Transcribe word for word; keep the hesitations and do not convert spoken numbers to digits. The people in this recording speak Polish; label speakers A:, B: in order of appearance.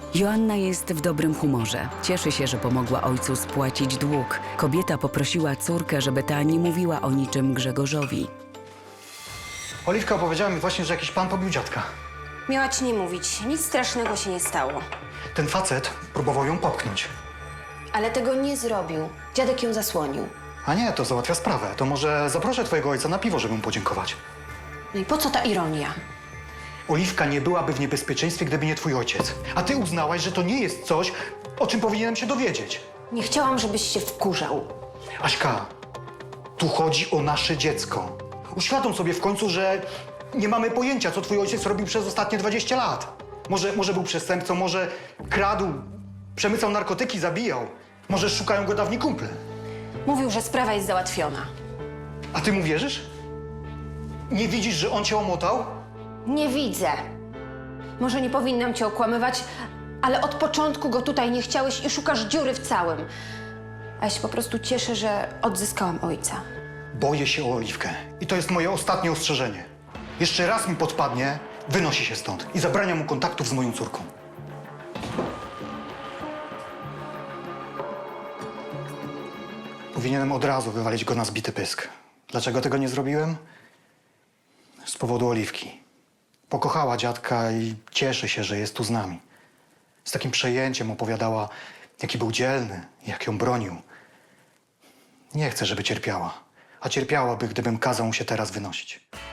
A: Joanna jest w dobrym humorze. Cieszy się, że pomogła ojcu spłacić dług. Kobieta poprosiła córkę, żeby ta nie mówiła o niczym Grzegorzowi.
B: Oliwka opowiedziała mi właśnie, że jakiś pan pobił dziadka.
C: Miała ci nie mówić. Nic strasznego się nie stało.
B: Ten facet próbował ją popchnąć.
C: Ale tego nie zrobił. Dziadek ją zasłonił.
B: A nie, to załatwia sprawę. To może zaproszę twojego ojca na piwo, żeby mu podziękować.
C: No i po co ta ironia?
B: Oliwka nie byłaby w niebezpieczeństwie, gdyby nie twój ojciec. A ty uznałaś, że to nie jest coś, o czym powinienem się dowiedzieć.
C: Nie chciałam, żebyś się wkurzał.
B: Aśka, tu chodzi o nasze dziecko. Uświadom sobie w końcu, że nie mamy pojęcia, co twój ojciec robił przez ostatnie dwadzieścia lat. Może, może był przestępcą, może kradł, przemycał narkotyki, zabijał. Może szukają go dawni kumple.
C: Mówił, że sprawa jest załatwiona.
B: A ty mu wierzysz? Nie widzisz, że on cię omotał?
C: Nie widzę. Może nie powinnam cię okłamywać, ale od początku go tutaj nie chciałeś i szukasz dziury w całym. A ja się po prostu cieszę, że odzyskałam ojca.
B: Boję się o Oliwkę. I to jest moje ostatnie ostrzeżenie. Jeszcze raz mi podpadnie, wynosi się stąd i zabrania mu kontaktów z moją córką. Powinienem od razu wywalić go na zbity pysk. Dlaczego tego nie zrobiłem? Z powodu Oliwki. Pokochała dziadka i cieszy się, że jest tu z nami. Z takim przejęciem opowiadała, jaki był dzielny, jak ją bronił. Nie chcę, żeby cierpiała. A cierpiałaby, gdybym kazał mu się teraz wynosić.